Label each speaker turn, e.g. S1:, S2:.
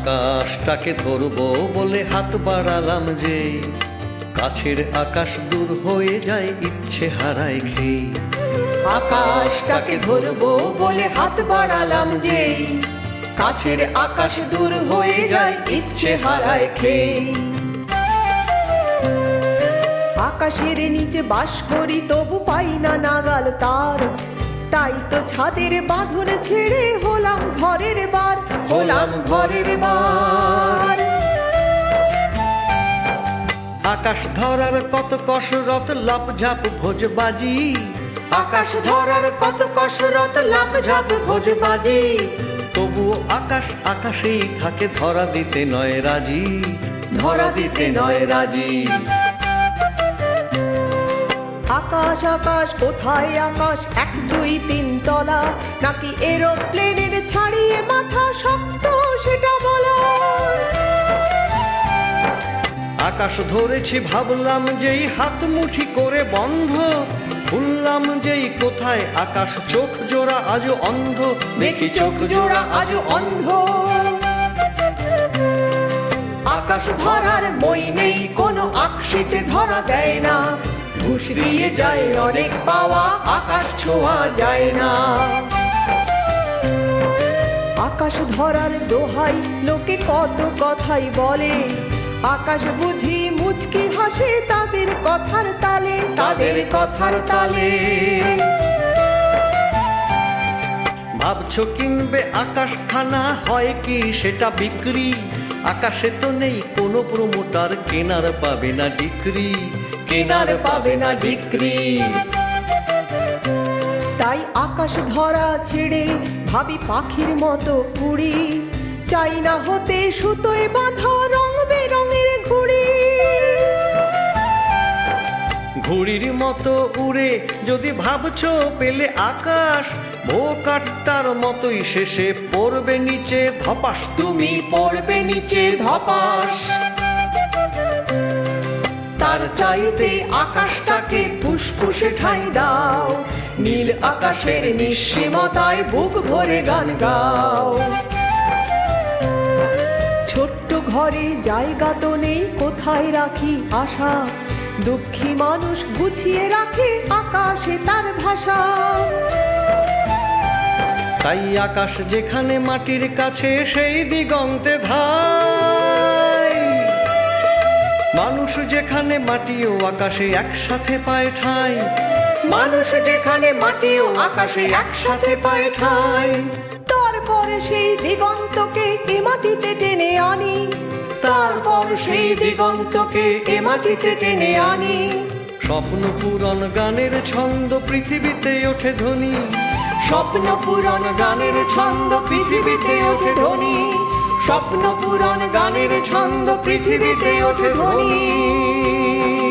S1: আকাশটাকে ধরবো বলে হাত বাড়ালাম যে, কাছের আকাশ দূর হয়ে যায় ইচ্ছে হারায় খেয়ে।
S2: আকাশটাকে ধরবো বলে হাত বাড়ালাম যে, কাছের আকাশ দূর হয়ে যায় ইচ্ছে হারায় খেয়ে। আকাশের নিচে বাস করি তবু পাই না নাগাল তার, তাই তো ছাদের বাঁধন ছেড়ে হলাম ঘরের বার, হলাম ঘরের বার।
S1: আকাশ ধরার কত কসরত লাফঝাপ ভোজবাজি,
S2: আকাশ ধরার কত কসরত লাফঝাপ ভোজবাজি,
S1: তবুও আকাশ আকাশেই থাকে, ধরা দিতে নয় রাজি,
S2: ধরা দিতে নয় রাজি। আকাশ আকাশ কোথায় আকাশ, 1 2 3 তলা, নাকি এরোপ্লেনের ছাড়িয়ে মাথা শক্ত সেটা বলা।
S1: আকাশ ধরেছি ভাবলাম যেই হাত মুঠি করে বন্ধ, ভুললাম যেই কোথায় আকাশ, চোখ জোড়া আজও অন্ধ,
S2: দেখি চোখ জোড়া আজও অন্ধ। আকাশ ধরার মই নেই কোনো, আকশিতে ধরা দেয় না, ঘুষ দিয়ে যায় অনেক পাওয়া, আকাশ ছোঁয়া যায় না। আকাশ ধরার দোহাই লোকে কত কথাই বলে, আকাশ বুঝি মুচকি হাসে তাদের কথার তালে, তাদের কথার তালে।
S1: ভাবছো কিনবে আকাশখানা, হয় কি সেটা বিক্রি, আকাশে তো নেই কোনো প্রমোটার, কেনার পাবে না ডিক্রি,
S2: কেনার পাবে না ডিক্রি। তাই আকাশ ধরা ছেড়ে ভাবি পাখির মতো উড়ি, চাই না হতে সুতোয় বাঁধা রং বেরঙের ঘুড়ি।
S1: ঘুড়ির মতো উড়ে যদি ভাবছো পেলে আকাশ, ভোকাট্টার মতোই শেষে পড়বে নিচে ধপাস,
S2: তুমি পড়বে নিচে ধপাস। তার চাইতে আকাশটাকে ফুসফুসে ঠাঁই দাও, নীল আকাশের নিঃসীমতায় বুক ভরে গান গাও। ছোট্ট ঘরে জায়গা তো নেই, কোথায় রাখি আশা, দুঃখী মানুষ গুছিয়ে রাখে আকাশে তার ভাষা।
S1: তাই আকাশ যেখানে মাটির কাছে সেই দিগন্তে ধাই, মানুষ যেখানে মাটি ও আকাশে একসাথে পায় ঠাঁই,
S2: মানুষ যেখানে মাটি ও আকাশে একসাথে পায় ঠাঁই। তারপরে সেই দিগন্তকে এ মাটিতে টেনে আনি, তারপর সেই দিগন্তকে এ মাটিতে টেনে আনি।
S1: স্বপ্ন পূরণ গানের ছন্দ পৃথিবীতে ওঠে ধ্বনি,
S2: স্বপ্ন পূরণ গানের ছন্দ পৃথিবীতে ওঠে ধ্বনি, স্বপ্ন পূরণ গানের ছন্দ পৃথিবীতে ওঠে ধ্বনি।